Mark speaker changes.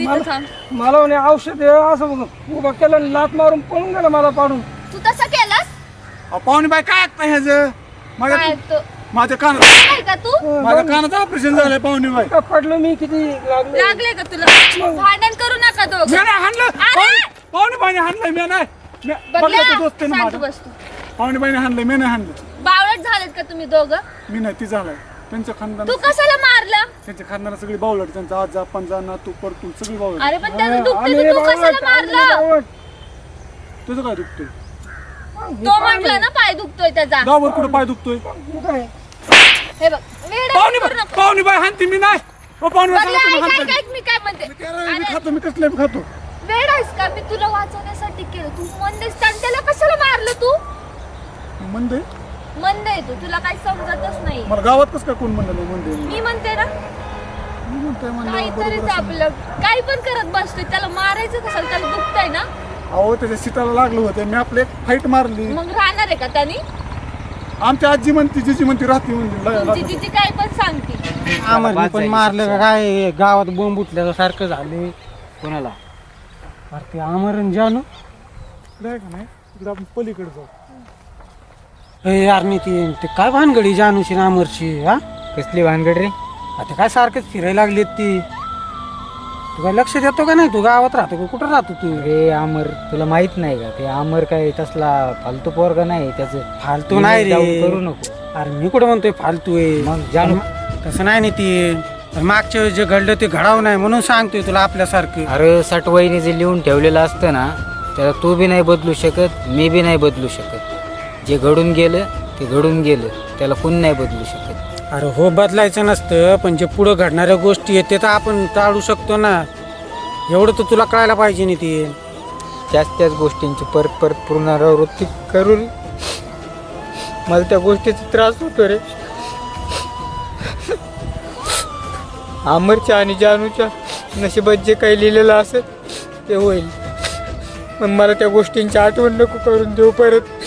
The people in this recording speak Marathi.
Speaker 1: इथं थांब.
Speaker 2: मला म्हणे औषध आहे, असं उभा केलं आणि लात मारून पळून गेला मला पाडून.
Speaker 1: तू तसं केलंस
Speaker 3: पाहुणे बाई काय ऐकता ह्याचं
Speaker 1: काय ऐकतो
Speaker 3: माझ्या कानात
Speaker 1: काय का तू
Speaker 3: माझ्या कानाचं ऑपरेशन झालंय पाहुणे बाई.
Speaker 2: का पडलो मी किती लागलो.
Speaker 1: लागले का तुला भांडण करू नका दोघं.
Speaker 3: मी नाही हाणलं पाहुणे बाईने हाणलंय मी नाही बघलं दोस्त आहे ना
Speaker 1: शांत
Speaker 3: माझा.
Speaker 1: बस तू.
Speaker 3: पाहुणे बाईने हाणलंय मी नाही हाणलं.
Speaker 1: बावळट झालेत का तुम्ही दोघं?
Speaker 3: मी नाही ती झालाय त्यांच्या खानदान
Speaker 1: तू कशाला मारलं?
Speaker 3: त्यांच्या खानदाना सगळी बावलट त्यांचा आजा पंजा नातू परतू सगळी बावलट.
Speaker 1: अरे पण त्याचं दुखतं
Speaker 2: आम्ही
Speaker 1: तर तू कशाला
Speaker 2: बावळट, आम्ही
Speaker 1: मारलं?
Speaker 2: बावळट.
Speaker 3: तुझं काय दुखतोय
Speaker 1: तो म्हटलं ना पाय दुखतोय त्याचा.
Speaker 3: गावावर कुठं पाय दुखतोय
Speaker 2: काय?
Speaker 1: हे बघ वेडा
Speaker 3: पाहुणे
Speaker 1: करू नको.
Speaker 3: पाहुणे बाई हाणती मी नाही ओ पाहुणे बाई
Speaker 1: बघलं,
Speaker 3: सांगा तुम्ही
Speaker 1: ऐक,
Speaker 3: हाणताय.
Speaker 1: ऐक, मी काय म्हणते
Speaker 3: मी
Speaker 1: अरे,
Speaker 3: खातो मी कसलं खातो
Speaker 1: वेड आहेस का? मी तुला वाचवण्यासाठी केलं. तू मंद आहेस आणि त्याला कशाला मारलं तू?
Speaker 3: मंद आहे?
Speaker 1: मंद आहे तू, तुला काही समजतच नाही.
Speaker 3: मला गावात कसं काय कोण म्हणलं नाही मंद आहे?
Speaker 1: मी म्हणते ना
Speaker 3: मी म्हणतोय म्हणलं
Speaker 1: काहीतरीच
Speaker 3: बरोबर असेल.
Speaker 1: आपलं काही पण करत बसतोय. त्याला मारायचं कशाला? त्याला दुखतंय ना,
Speaker 3: अहो त्याच्या सीताला लागलं होतं मी आपले एक फाईट मारली.
Speaker 1: मग राहणार आहे का त्यानी?
Speaker 3: आमची आजी म्हणती जिजी म्हणती राहती
Speaker 1: तुमची
Speaker 3: म्हणली
Speaker 1: तिची काय पण सांगते.
Speaker 4: आम्हाला पण मारलं का काय गावात बोंब उठल्यासारखं झाले.
Speaker 5: कोणाला?
Speaker 4: अरे ते आमरण जानू
Speaker 3: नाही का नाही इकडे आपण पलीकडे जाऊ.
Speaker 4: ए यार नितीन ते काय भानगडी जानूची ना अमरची हा
Speaker 5: कसली भानगड रे?
Speaker 4: आता काय सारखेच फिरायला लागलेत ती. तू काय लक्ष देतो का नाही? तू गावात राहतो का कुठं राहतो तू?
Speaker 5: रे अमर तुला माहित नाही का? ते अमर काय तसला फालतू पोरगा नाही. त्याचं
Speaker 4: फालतू नाही
Speaker 5: डाऊन
Speaker 4: रे.
Speaker 5: करू नको.
Speaker 4: अरे मी कुठं म्हणतोय फालतू आहे?
Speaker 5: मग जानू
Speaker 4: तसं नाही नितीन. पण मागच्या वेळेस जे घडलं ते घडावं नाही म्हणून सांगतोय तुला आपल्यासारखं.
Speaker 5: अरे सटवाईने जे लिहून ठेवलेलं असतं ना त्याला तू बी नाही बदलू शकत, मी बी नाही बदलू शकत. जे घडून गेलं ते घडून गेलं, त्याला कोण नाही बदलू शकत.
Speaker 4: अरे हो बदलायचं नसतं, पण जे पुढं घडणाऱ्या गोष्टी आहेत ते तर आपण टाळू शकतो ना. एवढं तर तुला कळायला पाहिजे नितीन.
Speaker 5: त्याच गोष्टींची परत परत पुनरावृत्ती करून मला त्या गोष्टीचा त्रास होतो रे. अमरच्या आणि जानूच्या नशिबात जे काही लिहिलेलं असेल ते होईल, पण मला त्या गोष्टींची आठवण नको करून देऊ परत.